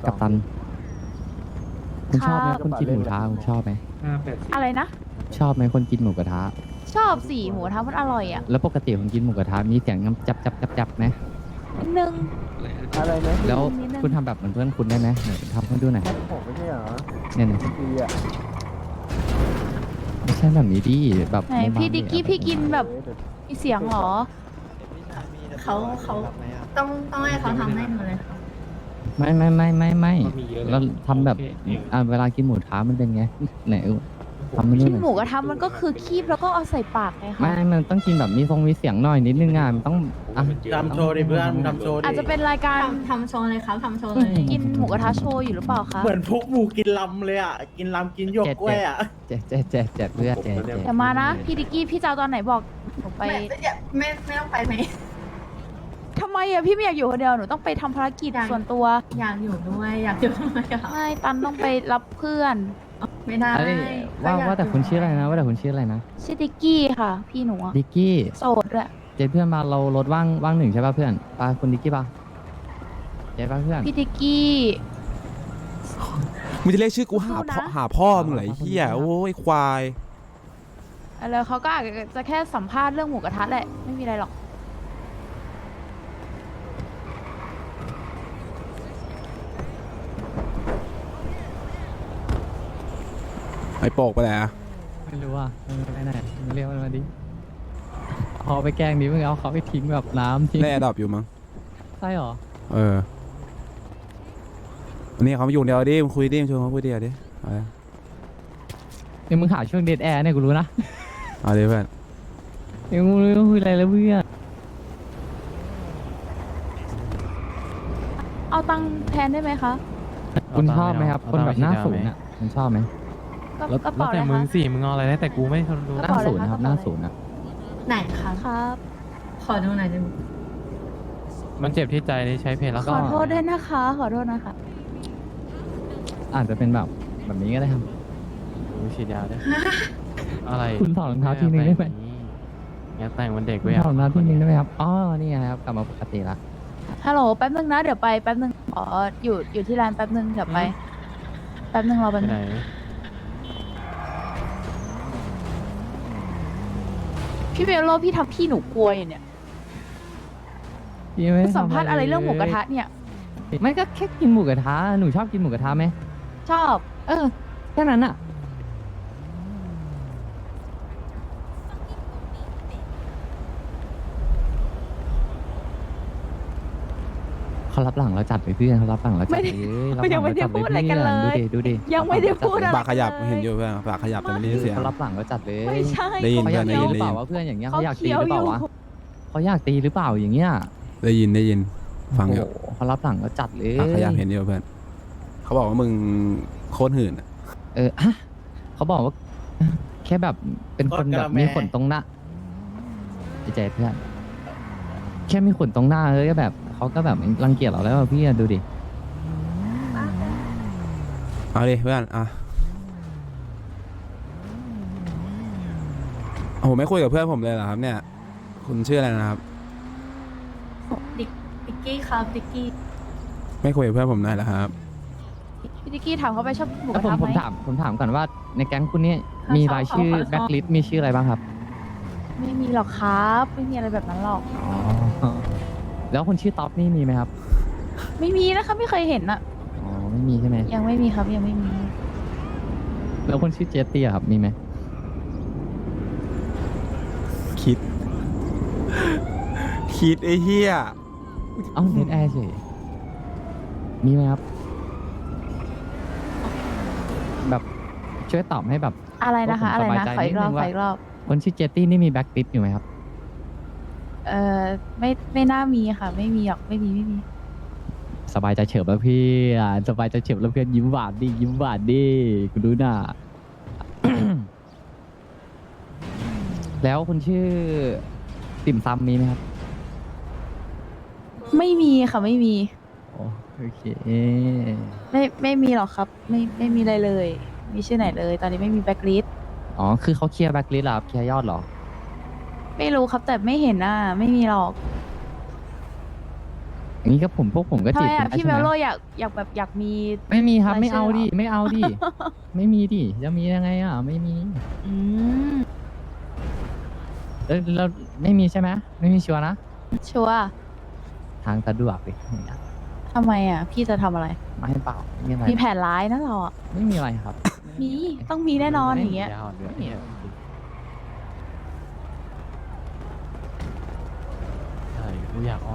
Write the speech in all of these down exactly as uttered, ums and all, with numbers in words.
กัปตันคุณชอบไหมคนกินหมูกระทะคุณชอบไหมอะไรนะชอบไหมคนกินหมูกระทะชอบสีหมูกระทะมันอร่อยอ่ะแล้วปกติคนกินหมูกระทะมีเสียงน้ำจับจับจับจับไหมนิดนึงอะไรนะแล้วนิดนึงคุณทำแบบเหมือนเพื่อนคุณได้ไหมไหนทำให้ดูหน่อยผมไม่ใช่เหรอเนี่ยเนี่ยดีอ่ะไม่ใช่แบบนี้ดิแบบไหนไม่พี่บ้าดิกกี้พี่กินแบบมีเสียงเหรอเขาเขาต้องต้องให้เขาทำให้หนูเลยค่ะไม่ไม่ไม่ไม่ไม่เราทำแบบอ่าเวลากินหมูกระทะมันเป็นไงไหนทำมันดูกินหน่อยหมูกระทะมันก็คือคีบแล้วก็เอาใส่ปากไงคะไม่มันต้องกินแบบมีทรงมีเสียงหน่อยนิดนึงอ่ะมันต้องอ่ะทำโชว์ดิเพื่อนทำโชว์ดิอาจจะเป็นรายการทำทำโชว์เลยครับทำโชว์เลยกินหมูกระทะโชว์อยู่หรือเปล่าคะเหมือนพวกหมูกินลำเลยอ่ะ กินลำกินหยวกกล้วยอ่ะแจ๊ะแจ๊ะแจ๊ะแจ๊ะเพื่อนแจ๊ะแจ๊ะเดี๋ยวมานะ พี่ดิกกี้พี่จะเอาตอนไหนบอกหนูไปไม่ไม่ไม่ไม่ต้องไปไหมทำไมอะพี่ไม่อยากอยู่คนเดียวหนูต้องไปทำภารกิจอยากส่วนตัวอยากอยู่ด้วยอยากอยู่ด้วยค่ะไม่ตันต้องไปรับเพื่อนไม่ได้เอ้ยว่าว่าแต่คุณชื่ออะไรนะว่าแต่คุณชื่ออะไรนะชื่อดิกกี้ค่ะ พี่หนูอะดิกกี้โสดด้วยเจเพื่อนมาเรารถว่างว่างหนึ่งใช่ป่ะเพื่อนปาคุณดิกกี้ป่ะเจป่ะเพื่อนพี่ดิกกี้มึงจะเรียกชื่อกูหาสู้นะพ่อหาพ่อมึงเหรอไอ้เหี้ยโอ้ยควายแล้วเขาก็อาจจะแค่สัมภาษณ์เรื่องหมูกระทะแหละไม่มีอะไรหรอกไอ้โปกไปไหนอะไม่รู้อ่ะไม่ไหนมึงเรียกมันมาดิเอาไปแกล้งดิมึงเอาเขาไปทิ้งแบบน้ำทิ้งแน่ดอบอยู่มั้งใช่หรอเอออันนี้เขามาอยู่เดียวดิมึงคุยดิมึงชวนเขาคุยเดียวดิเอาดิเนี่ยมึงหาช่วงเดทแอร์เนี่ยกูรู้นะเอาดิเพื่อนเนี่ยมึงรู้ว่าคุยอะไรแล้วเพื่อนเอาตังค์แทนได้ไหมคะคุณชอบไหมครับ คนแบบหน้าสูงอ่ะคุณชอบไหมก็แล้วกระเป๋าอะไรแต่มึคะงสิมึงเอาอะไรได้แต่กูไม่รู้กหระน้าเป๋าอะไรสูงนะครับหน้าสูงอ่ะไหนคะครับขอดูหน่อยได้ไหมมันเจ็บที่ใจที่ใช้เพลงแล้วขก็อโทษด้วยนะคะ ขอโทษนะคะอาจจะเป็นแบบแบบนี้ก็ได้ครับกูฉีดยาด้วยอะไรคุณถอดรองเท้าทีนึงได้ไหมอย่าแต่งวันเด็กคุไว้ณถอดรองเท้าทีนึงได้ไหมครับอ๋อนี่ไงครับกลับมาปกติละฮัลโหลแป๊บนึงนะ เดี๋ยวไปแป๊บนึงขออยู่อยู่ที่ร้านแป๊บนึงเดี๋ยวไป แป๊บนึงรอไปแป๊บนึไหนงพี่เบลโลพี่ทำพี่หนูกลัวอยู่เนี่ยพี่ไม่ได้สัมภาษณ์อะไรเรื่องหมูกระทะเนี่ยไม่ก็แค่กินหมูกระทะหนูชอบกินหมูกระทะไหมชอบเออแค่นั้นอ่ะเขารับหลังเราจัดไปเพื่อนเขารับหลังเราจัดไม่ไปได้เอ้ยรับไม่หยัลังงไม่เราได้จัดไปพูดอะไรเพื่กันอนเลดูยดิดูดิยังไม่ได้พูดอะไรปากขยับเลยเห็นอยู่เพื่อนปากขยับแต่ไม่ได้ยินเสียงเขารับหลังเราจัดเลยไม่ใช่ได้ยินเขาอยากตีได้ยินหรือเปล่าวะเพื่อนอย่างเงี้ยเขาเขาอยากตีเคี้ยหวรืออเปล่ายู่วะเขาอยากตีหรือเปล่าอย่างเงี้ยได้ยินได้ยินฟังอยู่โอ้โหเขารับหลังเราจัดเลยปากขยับเห็นอยู่เพื่อนเขาบอกว่ามึงโคตรหื่นอะเออฮะเขาบอกว่า แค่แบบเป็นคนแบบมีขนตรงหน้าใจใจเพื่อนแค่มีขนตรงหน้าเลยก็แบบเขาก็แบบรังเกียจเราแล้วอะพี่อะดูดิเอาดิเพื่อนอ่ะโอ้โหไม่คุยกับเพื่อนผมเลยเหรอครับเนี่ยคุณชื่ออะไรนะครับดิกดิกกี้ครับดิกกี้ไม่คุยกับเพื่อนผมหน่อยเหรอครับพี่ดิกกี้ถามเขาไปชอบหมูกแล้วระผมทะผมไหมถามผมถามก่อนว่าในแก๊งคุณนี่มีรายชื่อแบ็คลิสต์มีชื่ออะไรบ้างครับไม่มีหรอกครับ ไม่มีอะไรแบบนั้นหรอกอ๋อแล้วคนชื่อท็อปนี่มีไหมครับไม่มีนะคะไม่เคยเห็นอะอ๋อไม่มีใช่ไหมยังไม่มีครับยังไม่มีแล้วคนชื่อเจสตี้อะครับมีไหมคิด คิดไอ้เหี้ยเอ้าเน็ตแอร์เฉยมีไหมครับ แบบช่วยตอบให้แบบอะไรนะคะผมอะไรสบายนะใจขออีกรอบนิดนึงขว่าออีกรอบคนชื่อเจสตี้นี่มีแบ็คลิสต์อยู่ไหมครับเอ่อไม่ไม่น่ามีค่ะ ไม่มีหรอกไม่มีไม่มีสบายใจเฉิบแล้วพี่อ่ะสบายใจเฉิบแล้วเพื่อนยิ้มหวานดิยิ้มหวานดิกูรู้น่ะ แล้วคนชื่อติ่มซำมีไหมครับไม่มีค่ะไม่มีโอโอเคไม่ไม่มีหรอกครับ ไม่ไม่มีอะไรเลย มีชื่อไหนเลย ตอนนี้ไม่มีแบ็คลิสต์อ๋อคือเขาเคลียร์แบ็คลิสต์เหรอครับเคลียร์ยอดเหรอไม่รู้ครับแต่ไม่เห็นอ่ะไม่มีหรอกอย่างนี้ก็ผมพวกผมก็ทำจีไมบอ่ะได้พี่ใช่เมไหมลโลอยากอยากแบบอยากมีไม่มีครับรายไม่เอาชื่อเหรอดิไม่เอาดิ ไม่มีดิจะมียังไงอ่ะไม่มีอืมเออเราไม่มีใช่ไหมไม่มีชัวร์นะชัวร์ทางสะดวกดิอย่างเงี้ยทำไมอ่ะ พี่จะทำอะไรไม่ให้เปล่าไม่มีอะไรมีแผนร้ายนะเราอ่ะไม่มีอะไรครับมีต้องมีแน่นอนอย่างเงี้ยปัญญอ่อนด้วยเนี่ยใช่กูอยากออน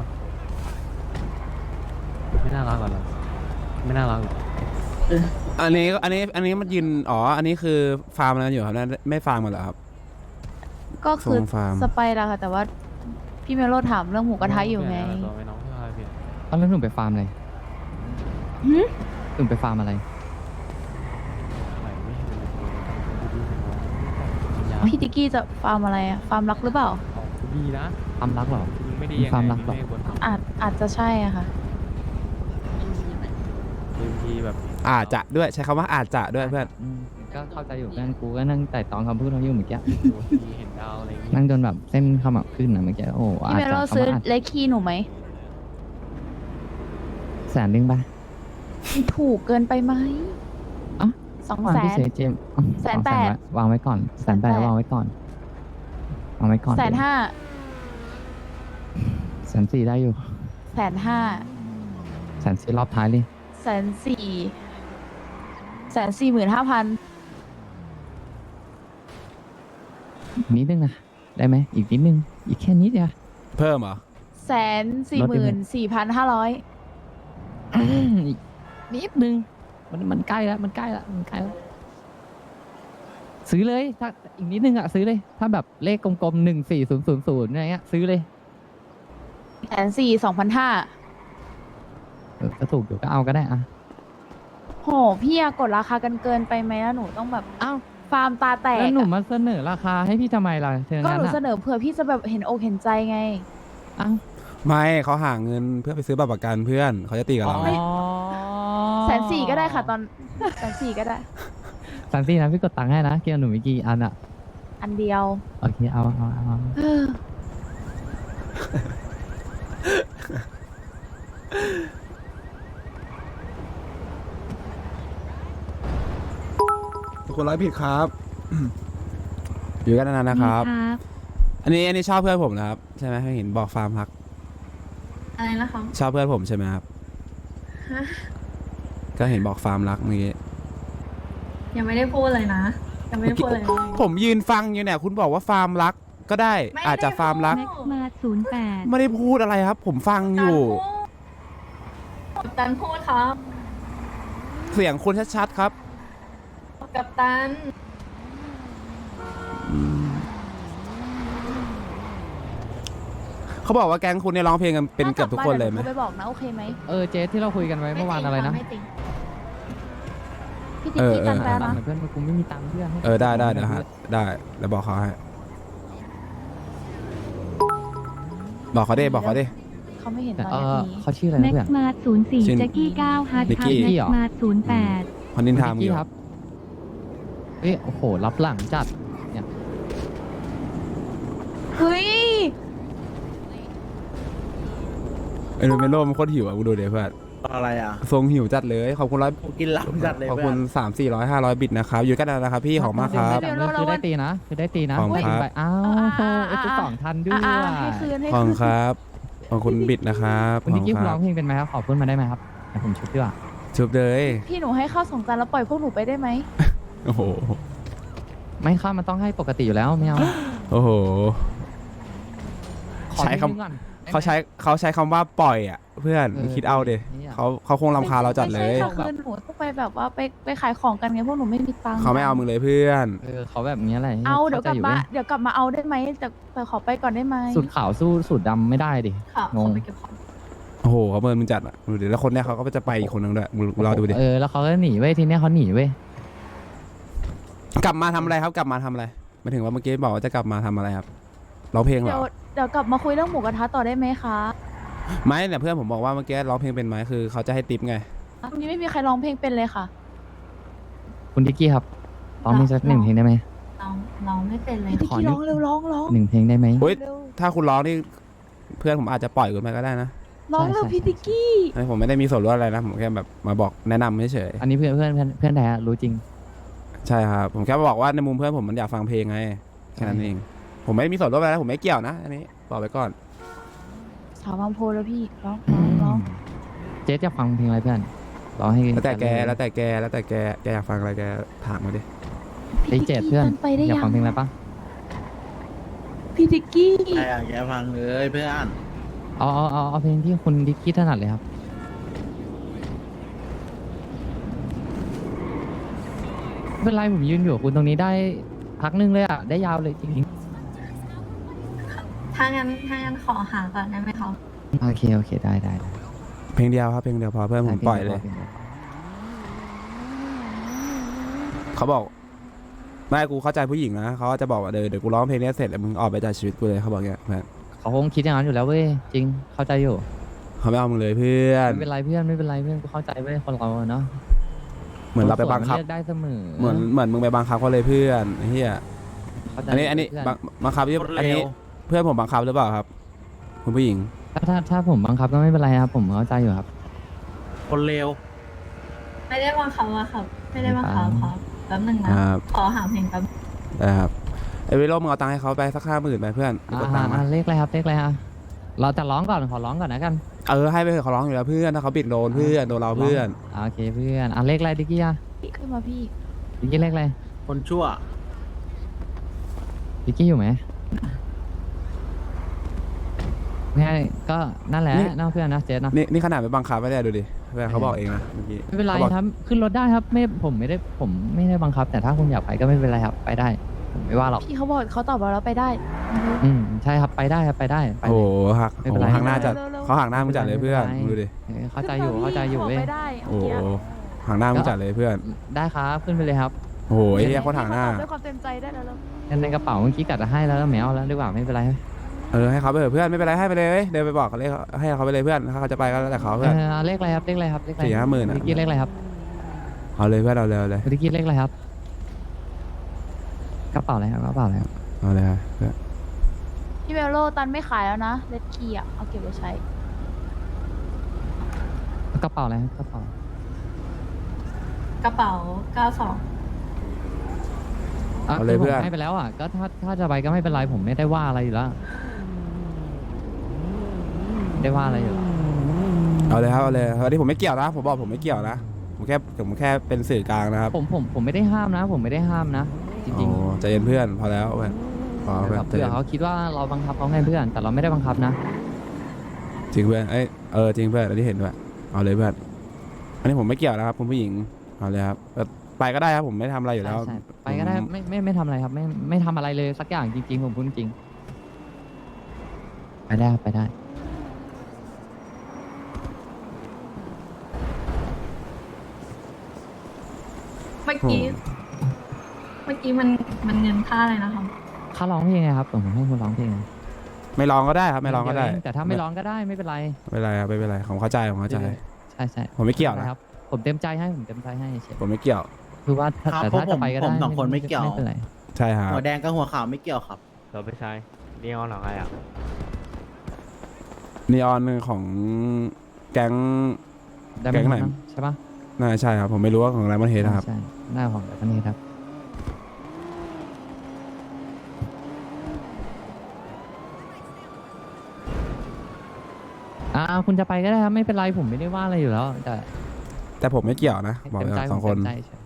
ไม่น่ารักหรอเราไม่น่ารักหรออันนี้อันนี้อันนี้มันยืนอ๋ออันนี้คือฟาร์มอะไรอยู่ครับนั่นไม่ฟาร์มกันเหรอครับก็คือส่งฟาร์มสไปร์ละค่ะ แต่ว่าพี่เมลโลถามเรื่องหมูกระทะอยู่ไงตัวไม่น้องเพื่ออะไรเปลี่ยนตอนนั้นหนุ่มไปฟาร์มอะไรหืมหนุ่มไปฟาร์มอะไรใหม่ไม่เห็นเลยดูดีปัญญาพี่ติกกี้จะฟาร์มอะไรอ่ะ ฟาร์มรักหรือเปล่าของกูดีนะฟาร์มรักเหรอมึงไม่ดียังคไงวามรักหรอไม่บนอาจอาจจะใช่อะค่ะบางทีแบบอาจจะด้วยใช้คำว่าอาจจะด้วยเพื่อนอืมก็เข้าใจอยู่เพื่อนกูก็นั่งแต่ตองคำพูดเขาอยู่เมื่อกี้บางทีเห็นดาวอะไรอย่างงี้นั่งจนแบบเส้นขมับขึ้นนะเมื่อกี้โอ้พี่อาจเมลจะโลคำซื้อว่าอาจเลขคีย์หนูไหมแสนหนึ่งป่ะถูกเกินไปไหมอ่ะสองวางแสที่นเซเจมอ๋อแสนสองแปดไว้วางไว้ก่อนแสนแปดแสนแปดวางไว้ก่อนวางไว้ก่อนแสนห้าแสนสี่ได้อยู่แสนห้าแสนสี่รอบท้ายเลยแสนสี่แสนสี่หมื่นห้าพันนิดนึงนะได้ไหมอีกนิดนึงอีกแค่นิดเดียวเพิ่มเหรอแสนสี่หมื่นสี่พันห้าร้อยอีกนิดนึงมันมันใกล้แล้วมันใกล้แล้วมันใกล้แล้วซื้อเลยถ้าอีกนิดนึงอ่ะซื้อเลย ถ้าแบบเลขกลมๆหนึ่งสี่ศูนย์ศูนย์ศูนย์อะไรเงี้ยซื้อเลยแสนสี่สองพันห้าเออก็ถูกอยู่ก็เอาก็ได้อ่ะโหพี่อะกดราคากันเกินไปไหมแล้วหนูต้องแบบอ้าวฟาร์มตาแตกแล้วหนูอะมาเสนอราคาให้พี่ทำไมล่ะเธอก็งั้หนนูอ่ะเสนอเผื่อพี่จะแบบเห็นอกเห็นใจไงอ้าวไม่เขาหาเงินเพื่อไปซื้อบัตรประกันเพื่อนเขาจะตีกับเราไงแสนสี่ก็ได้ค่ะตอนแสนสี่ก็ได้แสนสี่นะพี่กดตังค์ให้นะเกี่ยวหนูมีกี่อันอ่ะอันเดียวโอเคเอาเอาเอาเอาเออทุกคนร้อยผิดครับ อยู่กันนานๆนะครับ อันนี้อันนี้ชอบเพื่อนผมนะครับใช่ไหมเห็นบอกฟาร์มรักอะไรนะคะชอบเพื่อนผมใช่ไหมครับฮะก็เห็นบอกฟาร์มรักเมื่อกี้ยังไม่ได้พูดเลยนะ ยังไม่ได้พูดเลยนะผมยืนฟังอยู่เนี่ยคุณบอกว่าฟาร์มรักก็ได้ไม่ได้อาจจะฟาร์มรักพูดมาศูนย์แปดไม่ได้พูดอะไรครับ ผมฟังอยู่กัปตันพูดครับเสียงคุณชัดๆครับกัปตันเขาบอกว่าแก๊งคุณเนี่ยร้องเพลงกันเป็นเกือบทุกคนเลยไหมถ้ากบบ้าดี๋วหนูโทรไปบอกนะโอเคไหมเออเจ๊ที่เราคุยกันไว้เมื่อวานอะไรนะไม่จริงพี่ติ๊กกี้กันแปลนะเพื่อนกูไม่มีตังค์เพื่อนให้เออได้ได้เดี๋ยวฮะได้เดี๋ยวบอกเขาให้บอกเขาดิบอกเขาดิเขาไม่เห็นตอนเอนี้อมีเขาชื่ออะไรแม็นะกเพื่อนมาศูนย์สี่ชื่อแจ็กกี้เก้าฮัทนิกคกี้รับแม็กมาศูนย์แปดคนนินทามคุณอนิกกี้ยู่ครับเอ้ยโอ้โหรับหลังจัดเนี่ยเฮ้ยไอ้โรเมโลมันโคตรหิวอ่ะกูดูเดี๋ยวเพื่อนอะไรอ่ะทรงหิวจัดเลยขอบคุณร้อยกูกินลำจัดเลยขอบเพื่คุอณนสามสี่ร้อยห้าร้อยบิตนะครับอยู่กันนานนะครับพี่ของมากครับเดี๋ยวคือได้ตีนะคือได้ตีนะขอบคุณครับไปอ้าวอ่าโอ้อ่าโหไอ้กูสองทันด้วอ่าย อ่าให้คืนให้ขอบคืคุณนครับขอบคุณบิตนะครับคุณนิกกี้ขอบร้ณองเพลงเป็นไหมครับขอพูดมาได้ไหมครับเดี๋ยวผมชุบดีกว่าชุบเลยพี่หนูให้เข้าสองจานแล้วปล่อยพวกหนูไปได้ไหมโอ้โหไม่เข้ามันต้องให้ปกติอยู่แล้วไม่เอาโอ้โหขอใช้คำนิดนึงก่อนได้ไหมเขาใช้เขาใช้คำว่าปล่อยอ่ะ เพื่อนเออคิดเอาดิเนี่ยเขาเขาคงรำคาญเราจัดเลยไม่ใช่ค่ะคือหนูต้องไปแบบว่าไปไปขายของกันไงพวกหนูไม่มีตังค์เขาไม่เอามึงเลยเพื่อนเออเขาแบบนี้อะไรเอาเดี๋ยวกลับข้ใจมาว้เดี๋ยวกลับมาเอาได้ไหมแต่แต่ขอไปก่อนได้ไหมสูตรขาวสู้สูตรดำไม่ได้ดิค่ะงของ ไปเก็บของโอ้โหเขาเมินมึงจัดอ่ะดูดิแล้วคนเนี้ยเขาก็จะไปอีกคนนึงด้วยมึงรอดูดิเออแล้วเขาก็หนีเว้ยทีเนี้ยเขาหนีเว้ยกลับมาทำอะไรครับกลับมาทำอะไรหมายถึงว่าเมื่อกี้บอกว่าจะกลับมาทำอะไรครับร้องเพลงเหรเดี๋ยวอเดี๋ยวกลับมาคุยเรื่องหมูกระทะต่อได้ไหมคะไม่เนี่ยเพื่อนผมบอกว่าเมื่อกี้ร้องเพลงเป็นไหมคือเขาจะให้ติปไงวันนี้ไม่มีใครร้องเพลงเป็นเลยค่ะคุณดิกกี้ครับร้องเพลงสักหนึ่งเพลงได้ไหมเราเราไม่เป็นเลยพี่ติ๊กขอกี้นิดร้องเร็วร้องร้องหนึ่งเพลงได้ไหมเฮ้ยเร็วถ้าคุณร้องนี่เพื่อนผมอาจจะปล่อยคุณไปก็ได้นะร้องใช่เร็วใช่พี่ติกกี้อันนี้ผมไม่ได้มีส่วนร่วมอะไรนะผมแค่แบบมาบอกแนะนำเฉยอันนี้เพื่อนเพื่อนเพื่อนเพื่อนแท้รู้จริงๆใช่ครับผมแค่บอกว่าในมุมเพื่อนผมมันอยากฟังเพลงไงแค่นั้นเองผมไม่ได้มีส่วนร่วมอะไรนะผมไม่เกี่ยวนะอันนี้บอกไปก่อนสาวบางโพแล้วพี่ร้องร้องร้องเจ๊จะฟังเพลงอะไรเพื่อนร้องให้แล้วแต่แกแล้วแต่แกแล้วแต่แกแกอยากฟังอะไรแกถามมาดิไอ้เจ็ดเพื่อนไปได้อยากยัฟังงเพลงอะไรปะพี่ติกกี้ใครอยากแกฟังเลยเพื่อนเอาเอาเอาเอาเพลงที่คุณดิกกี้ถนัดเลยครับไม่เป็นไรผมยืนอยู่กับคุณตรงนี้ได้พักหนึงเลยอ่ะได้ยาวเลยจริงถ้างั้นถ้างั้นขอหาก่อนได้ไหมครับๆโอเคโอเคได้ได้ได้เพลงเดียวครับเพลงเดียวพอเพื่อนผมปล่อยเลยพงดีวเขาบอกไม่กูเข้าใจผู้หญิงนะเขาจะบอกว่าเดี๋ยวเดี๋ยวกูร้องเพลงนี้เสร็จแล้วมึงออกไปจากชีวิตกูเลยเขาบอกอย่างเงี้ยเพื่อนเขาคงคิดอย่างนั้นอยู่แล้วเว้ยจริงเข้าใจอยู่เขาไม่เอามึงเลยเพื่อนไม่เป็นไรเพื่อนไม่เป็นไรเพื่อนกูเข้าใจเว้ยคนเราอะเนาะเหมือนเราไปบังคับเลือกได้เสมอเหมือนเหมือนมึงไปบังคับเขาเลยเพื่อนไอ้เฮียเข้าใจอันนี้อันนี้เพื่บังบังคับที่คนอันเร็นี้วเพื่อนผมบังคับหรือเปล่าครับคุณผู้หญิงถ้าถ้าถ้าผมบังคับก็ไม่เป็นไรครับผมเข้าใจอยู่ครับคนเร็วไม่ได้บังคับอะครับ ไม่ได้บังคับครับแป๊บหนึงนะครับขอหาเพลงแป๊บนะครับไอ้วิโรจน์มึงเอาตังค์ให้เขาไปสักห้าหมื่นไปเพื่อนอ่าเอาตังค์มาอ่าเลขอะไรครับเลขอะไรฮะเราจะร้องก่อนขอร้องก่อนนะกันเออให้ไปเถอะเขาร้องอยู่แล้วเพื่อนถ้าเขาบิดโดนเพื่อนโดนเราเพื่อนอ่าโอเคเพื่อนอ่ะเลขอะไรดิกกี้อ่ะขึ้นมาพี่ดิกกี้เลขอะไรคนชั่วดิกกี้อยู่ไหมไม่ให้ก็นั่นแหละน่าเพื่อนนะเจสนะนี่นี่ขนาดไปบังคับไม่ได้ดูดิเพื่อนเขาบอกเองนะเมื่อกี้ไม่เป็นไรขาบอกครับขึ้นรถได้ครับไม่ผมไม่ได้ผมไม่ได้บังคับ แต่ถ้าคุณอยากไปก็ไม่เป็นไรครับไปได้ผมไม่ว่าหรอกพี่เขาบอกเขาตอบเราแล้วไปได้อืมใช่ครับไปได้ครับไปได้ไปโอ้เลโหยหักไม่เป็นไรโอ้โหหักหน้าจัดเร็วๆเขาหักหน้ามึงจัดเลยเพื่อนไม่เป็นไรดูดิเออเข้าใจอยู่เข้าใจอยู่เว้ยไปได้โอ้โหเมื่อกี้หักหน้ามึงจัดเลยเพื่อนได้ครับขึ้นไปเลยครับโอ้โหไอ้เหี้ยโคตรหักหน้าด้วยความเต็มใจได้แล้วเงินในกระเป๋าเมื่อกี้กัดจะให้แล้วแมวแล้วดีกว่าไม่เป็นไรเออให้เขาไปเถอะเพื่อนไม่เป็นไรให้ไปเลยเว้ยเดินไปบอกเขาเลยให้เขาไปเลยเพื่อนถ้าเขาจะไปก็แล้วแต่เขาเอเพื่อนอเลขอะไรครับเลขอะไรครับเลขอะไรสี่ห้าหมื่นอะดิกกี้เลขอะไรครับเอาเลยเพื่อนเอาเลยเอาเลยดิกกี้เลขอะไรครับกระเป๋าอะไรครับกระเป๋าอะไรครับเอาเลยครับเพื่อนพี่เวลโลตันไม่ขายแล้วนะเลดคีอ่ะเอาเก็บไว้ใช้กระเป๋าอะไรครับกระเป๋ากระเป๋าเก้าสองอ่ะคือผมให้ไปแล้วอ่ะก็ถ้าถ้าจะไปก็ไม่เป็นไรผมไม่ได้ว่าอะไรอยู่แล้วไม่ได้ว่าอะไรอยู่แล้วเอาเลยครับเอาเลยวันนี้ผมไม่เกี่ยวนะผมบอกผมไม่เกี่ยวนะผมแค่ผมแค่เป็นสื่อกลางนะครับผมผมผมไม่ได้ห้ามนะ ผมไม่ได้ห้ามนะ จริงโอ้ใจเย็นเพื่อนพอแล้วเพื่อนพอๆเพื่อนเผื่อเขาคิดว่าเราบังคับเขาไงเพื่อน แต่เราไม่ได้บังคับนะจริงเพื่อนเอ้ยเออจริงเพื่อนอันนี้เห็นด้วยเอาเลยเพื่อนอันนี้ผมไม่เกี่ยวนะครับคุณผู้หญิงเอาเลยครับเออไปก็ได้ครับผมไม่ทำอะไรอยู่แล้วใช่ๆไปก็ได้ไม่ไม่ไม่ทำอะไรครับ ไม่ไม่ทำอะไรเลยสักอย่างจริงๆผมพูดจริงไปได้ครับไปได้เมื่อกี้ เมื่อกี้มันมันเงินค่าอะไรนะครับค่าร้องเพลงไงครับผมให้คุณร้องเพลงไงไม่ร้องก็ได้ครับไม่ร้องก็ได้เยวเแต่ถ้าไม่ร้องก็ได้ไม่เป็นไรไม่เป็นไรครับไม่เป็นไรผมเข้าใจผมเข้าใจใช่ใช่ผมไม่เกี่ยวนะครับ ผมเต็มใจให้ผมเต็มใจให้เฉยผมไม่เกี่ยวคือว่าถ้าครับแต่เพราะถ้าผจะมไปก็ผได้มสองคนไม่เกี่ยวไม่เป็นไรใช่ครับหัวแดงกับหัวขาวไม่เกี่ยวครับเราไปใช้นีออนหรอไงอ่ะนีออนของแก๊งได้แก๊งไหนมั้ใช่ปะน่าใช่ครับผมไม่รู้ว่าของอะไรมันเฮดนะครับใช่หน้าของแบบนี้ครับ อ่าคุณจะไปก็ได้ครับไม่เป็นไรผมไม่ได้ว่าอะไรอยู่แล้ว แต่แต่ผมไม่เกี่ยวนะบอกเต็มเลยใจสองคนผมเต็มใจเฉย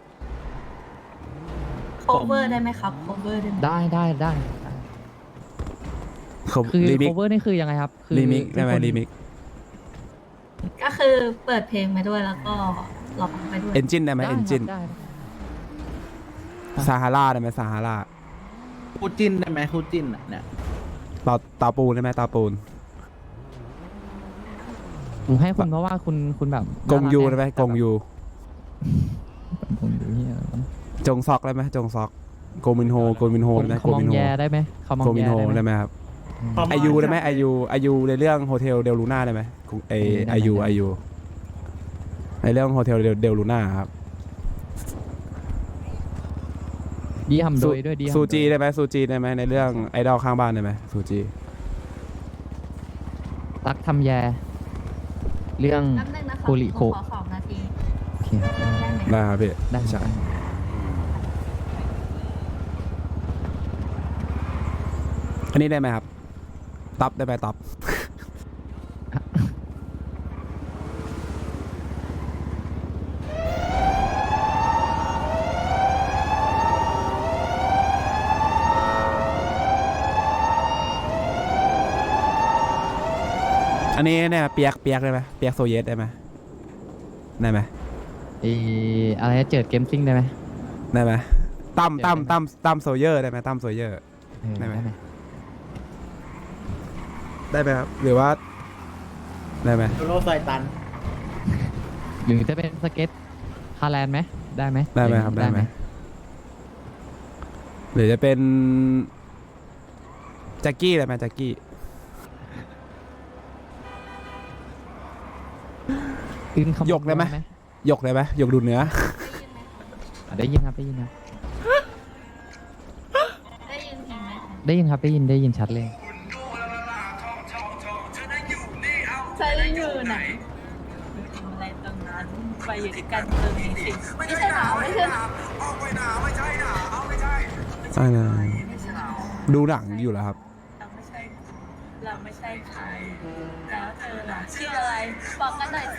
cover ได้ไหมครับ cover ได้ไหมได้ได้ได้ได้เขาคือรีมิก cover นี่คือยังไงครับคือรีมิกได้ไหมทุกคนรีมิกก็คือเปิดเพลงไปด้วยแล้วก็ร้องไปด้วยเอนจินได้ไหมได้เอนจินได้ซาฮาราได้ไหมซาฮาราคู่จิ้นได้ไหมคู่จิ้นอะเนี่ยตาตาปูนได้ไหมตาปูนผมให้คุณเพราะว่าคุณคุณแบบกงยูน่ารัได้ไหมแต่กงยูแบบกงยูเหียอะไรวะจงซอกได้ไหมจงซอกโกมินโฮโกมินโฮได้ไหมเขาโกมองมินโฮแยได้ไหมเขามองโกมินแยโฮได้ได้ไหมไหมครับประมาณอายุได้ไหมอายุอายุในเรื่องโฮเทลเดลลูน่าได้ไหมไออายุอายุในเรื่องโฮเทลเดลลูน่าครับดีทำโดยด้วยดีทำโดยซูจีได้ไหมซูจีได้ไหมในเรื่องไอดอลข้างบ้านได้ไหมซูจีรักทำแยเรื่องแป๊บนึงนะคะคูริโคขอสองนาทีโอเคครับได้ไหมได้ครับพี่ได้ใช่ได้อันนี้ได้ไหมครับตับได้ไหมตับ อันนี้เนี่ยเปียกเปียกได้ไหมเปียกโซเยสได้ไหมได้ไหมเอออะไรนะเจิดเกมซิ่งได้ไหมได้ไหมตั้มเดี๋ยวตั้มได้ไหมตั้มตั้มโซเยอร์ได้ไหมตั้มโซเยอร์เออได้ไหมได้ไหมได้ไหมครับหรือว่าได้ไหมโดโรไซตันหรือจะเป็นสเก็ตฮาแลนด์ไหมได้ไหมได้ไหมครับได้ไหมหรือจะเป็นแจ็คกี้ได้ไหมแจ็คกี้อื่นคำยกได้ไหม ยกได้ไหมยกดูเนื้ออ่ะได้ยินครับได้ยินครับได้ยินเพลงไหมคะได้ยินครับได้ยินได้ยินชัดเลยใช่อยู่ไหนทำอะไรตรงนั้นไปอยู่ด้วยกันตรงนี้สิไม่ใช่หนาวไม่ใช่หนาวอ่าดูหนังอยู่แล้วครับเราไม่ใช่เราไม่ใช่ใครแล้วเธอล่ะชื่ออะไรบอกกันหน่อยสิ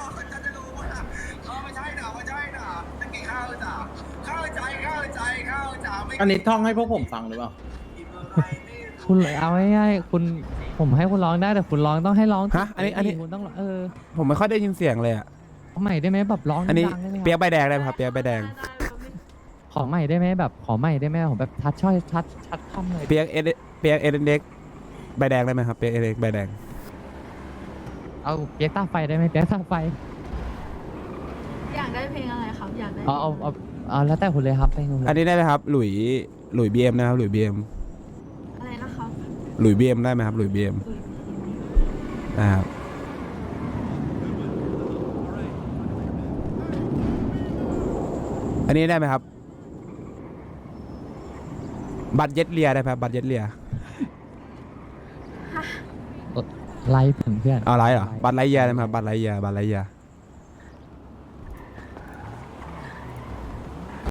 อันนี้ท่องให้พวกผมฟังหรือเปล่าคุณเอาง่ายๆคุณผมให้คุณร้องได้แต่คุณร้องต้องให้ร้องฮะอันนี้อันนี้คุณต้องเออผมไม่ค่อยได้ยินเสียงเลยอ่ะขอใหม่ได้ไหมแบบร้องอันนี้ดังๆได้ไหมเปียคกรับใบแดงได้ไหมครับเปียกใบแดงขอใหม่ได้ไหมแบบขอใหม่ได้ไหมผมแบบทัดช่อยทัดชัดคำเลยเปียกเอเดเปียกเอเดนเด็กใบแดงได้ไหมครับเปียกเอเดนใบแดงเอาเปียกตาไฟได้ไหมเปียกตาไฟอยากได้เพลงอะไรครับอยากได้เอาเอาเอาเอาแล้วแต่คุณเลยครับให้คุณเลยอันนี้ได้ไหมครับหลุยหลุยบีเอ็มนะครับหลุยบีเอ็มอะไรนะครับหลุยบีเอ็มได้ไหมครับหลุยบีเอ็มนะครับอันนี้ได้ไหมครับบัตรเย็ดเลียได้ไหมครับบัตรเย็ดเลียไลฟ์ถึงเพื่อนเอาไรเหรอบัตรไรเยียได้ไหมครับบัตรไรเยียบัตรไรเยีย